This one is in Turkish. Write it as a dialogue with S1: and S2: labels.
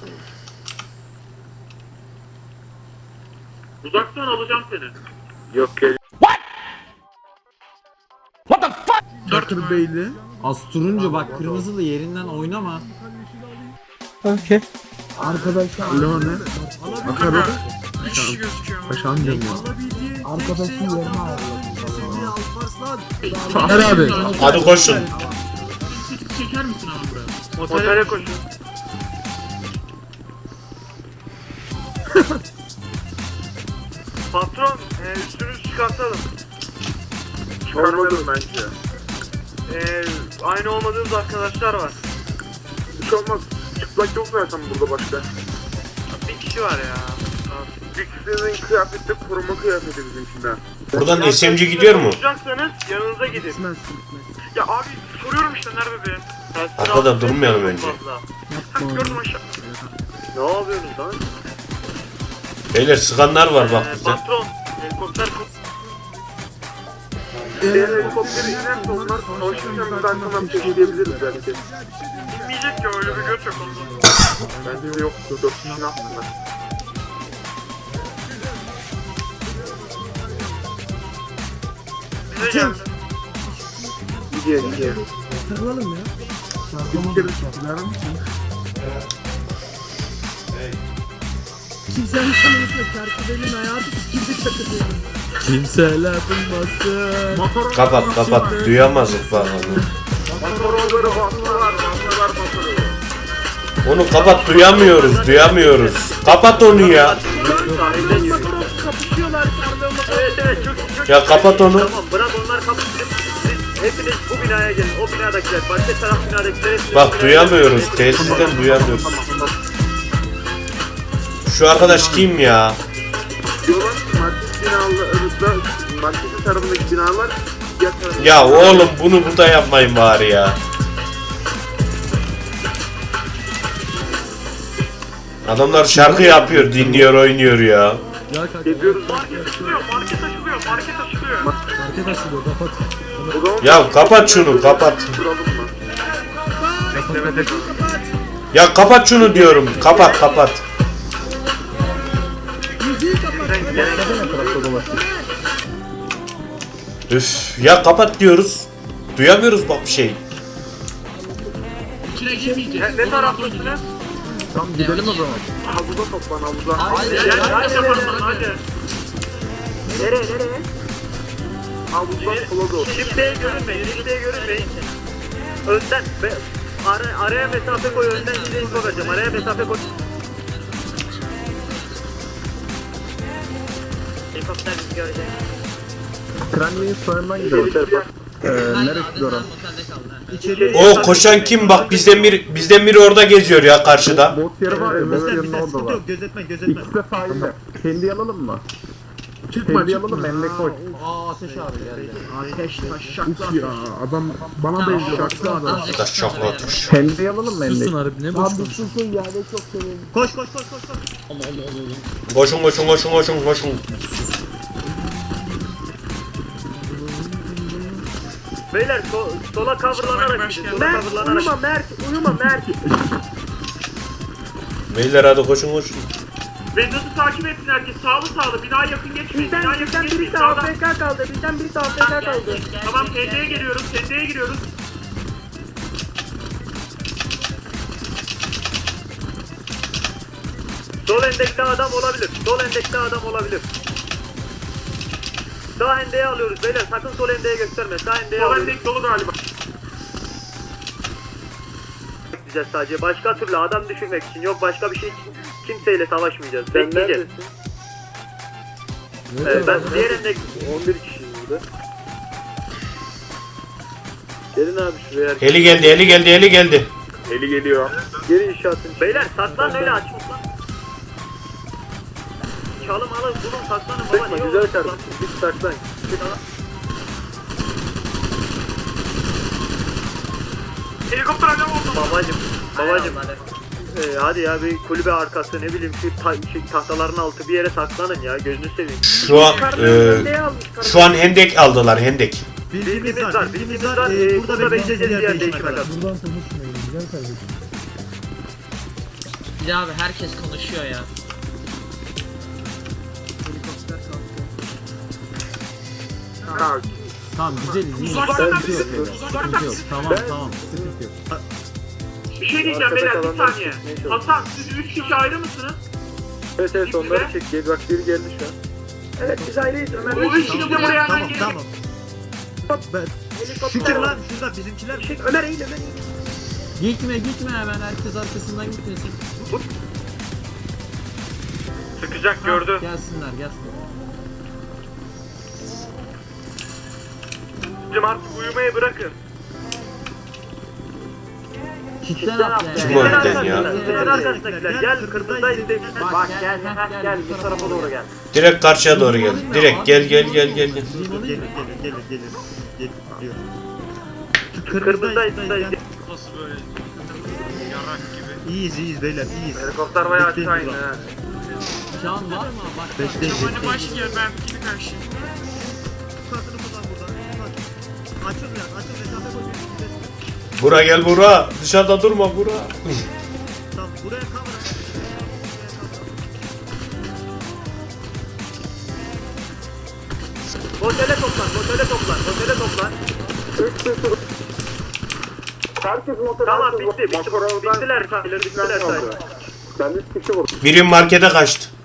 S1: Uzaktan alacağım seni.
S2: Yok gel.
S3: Bakır Beyli.
S4: Az turuncu bak, kırmızılı yerinden oynama.
S3: Arkadaşlar. Lone. Bakarım.
S1: Bir kişi gözüküyor.
S3: Paşam demiyor.
S5: Arkadaşın yerine ayarladım.
S3: Taner abi.
S6: Hadi koşun.
S1: 8 çeker misin abi buraya?
S2: Otele koşun. Patron, üstünüzü çıkartalım. Çıkarmadım bence. Aynı olmadığımız arkadaşlar var. Hiç olmaz. Çıplak yok zaten burada başka. Bir kişi var ya. Bir kişinin kıyafeti de koruma kıyafeti bizimkinden.
S6: Buradan SMG gidiyor mu?
S2: Tutacaksanız yanınıza gidin. Ya abi soruyorum işte nerede be?
S6: Arkada durmayalım önce.
S2: Gördüm aşağı. Ne yapıyorsunuz lan?
S6: Beyler sıkanlar var bak bize.
S2: Patron, helikopter helikopteri inerse onlar savaşırken biz arkadan peşleyebiliriz belki. İnmeyecek ki öyle bir göç yok onda. Bence de yoktu. 4 kişinin aslında. Bize geldi. Gidiyor.
S5: Takılalım ya.
S3: Bir kere çıktılar mısın?
S5: Kimsenin sanıyorsa Kerkübel'in hayatı sikildi çakılıyor.
S3: Kimseler duymasın.
S6: Kapat duyamazdık bak onu.
S2: Motorları bastılar.
S6: Onu kapat, duyamıyoruz. Kapat onu ya.
S2: Kapışıyorlar. Evet çok
S6: Ya kapat onu.
S2: Tamam bırak onlar kapışsın. Siz hepiniz bu binaya gelin. O binadakiler. Başka taraf binadakiler.
S6: Bak duyamıyoruz. Tesisten duyamıyoruz. Şu arkadaş kim ya?
S2: Diyorlar ki market binalarında marketin tarafındaki binalar diğer tarafındaki
S6: Ya oğlum bunu burada yapmayın bari ya. Adamlar şarkı yapıyor, dinliyor, oynuyor ya.
S2: Geziyoruz. Market açılıyor.
S5: Market açılıyor kapat.
S2: O zaman
S6: Ya kapat şunu, kapat.
S2: duralım mı?
S6: Ya kapat şunu diyorum. Kapat.
S5: Müziği kapat.
S6: Üf, ya kapat diyoruz. Duyamıyoruz bak bir şey.
S1: İçine girmeyeceğiz.
S2: Ne taraftasınız?
S3: Tamam gidelim o zaman.
S2: Havuza toplan havuza.
S1: Hadi.
S2: Hadi. Nereye? Havuzdan sola doğru. Şimdiye görünmeyin. Önden araya mesafe koy, önden size info vereceğim. Araya mesafe koy. Helikopter bizi görecek.
S3: Kranli'nin sonundan gidelim. Neresi orası?
S6: O koşan kim bak, bizden biri orada geziyor ya karşıda.
S3: Bot yeri var ya, bot yerinin orada var.
S5: Gözetme.
S3: İkisi de sahilde. Kendi alalım mı?
S2: Çıkma.
S3: Emre koş.
S4: Ateş abi geldi.
S5: Ateş taş
S3: Hiç ya adam bana benziyor. Şaklı adam.
S6: Arkadaş şakla atmış.
S3: Kendi alalım mı Emre?
S4: Susun harbi, ne boş
S5: Abi susun yerde çok seviyorum.
S4: Koş.
S6: Koşun.
S2: Beyler sola coverlanarak gidin. Uyuma Mert.
S6: Beyler hadi koşun.
S1: Vedat'ı takip etsin herkes. Sağlı. Binaya yakın geçmeyin.
S2: Bizden birisi AFK kaldı.
S1: Tamam TD'ye giriyoruz.
S2: Sol endekte adam olabilir. Sağ hendeğe alıyoruz beyler. Sakın sol hendeğe gösterme. Sağ hendeğe
S1: Sol
S2: alıyoruz.
S1: endek dolu galiba.
S2: Gideceğiz sadece. Başka türlü adam düşürmek için. Yok başka bir şey için. Kimseyle savaşmayacağız. Bekleyeceğiz. Ben diğer endek 11 kişiyiz burada. Gelin abi şuraya.
S6: Heli geldi.
S2: Eli geliyor. Geri inşaatın. Beyler saklan öyle açma lan. Çalım alın bulun saklanın baba. Sıkma güzel kardeşim. Biz saklan.
S1: Helikopter adam oldu.
S2: Babacım. Hadi ya bir kulübe arkası ne bileyim şu tahtaların altı bir yere saklanın ya gözünü seveyim.
S6: Şu an hendek aldılar, hendek.
S2: Bilgimiz var. Burada bekleyeceğiz diğer değişime kadar.
S5: Buradan konuşmayalım güzel kardeşim.
S7: Bir de abi herkes konuşuyor ya.
S5: Helikopter kalktı.
S2: Ha,
S4: Tamam güzeliz iyi.
S1: Uzaktan
S4: Sıkıntı yok. Sıkıntı yok. Tamam tamam. Sıkıntı yok.
S1: Bir şey diyeceğim beyler bir saniye. Hasan siz 3 kişi ayrı mısınız?
S2: evet evet onları çek. Bak biri geldi şu an.
S5: Evet biz aileyiz Ömer.
S1: Bu 3 kişi de buraya hemen gelin.
S5: Tamam. Şükür lan şurada bizimkiler. Ömer eğil Ömer eğil.
S4: Gitme hemen herkes arkasından gitmesin.
S2: Sıkacak gördü.
S4: Gelsinler.
S2: Bizim artık uyumayı bırakın.
S4: Kitlen at yani.
S6: Çıkma önden ya.
S5: Gel kırmızıda izle.
S4: Bak gel bu tarafa doğru gel.
S6: Direkt karşıya doğru gel. Direkt gel.
S4: Gelin.
S5: Kırmızıda izle.
S2: Nasıl böyle yarak gibi.
S5: İyiyiz beyler iyiyiz.
S2: Helikopter bayağı açık aynı ha.
S4: Can var mı? Bak.
S1: Hani başlıyor ben gibi karşı.
S5: Kartını kullan buradan. Açıl mesafe koyuyorsun.
S6: Bura gel bura. Dışarıda durma bura.
S5: Tamam buraya kamera.
S1: Otele toplan.
S2: Herkes motor.
S1: Tamam bitti. Bittiler.
S2: Ben de kişi vurdum.
S6: Birim markete kaçtı.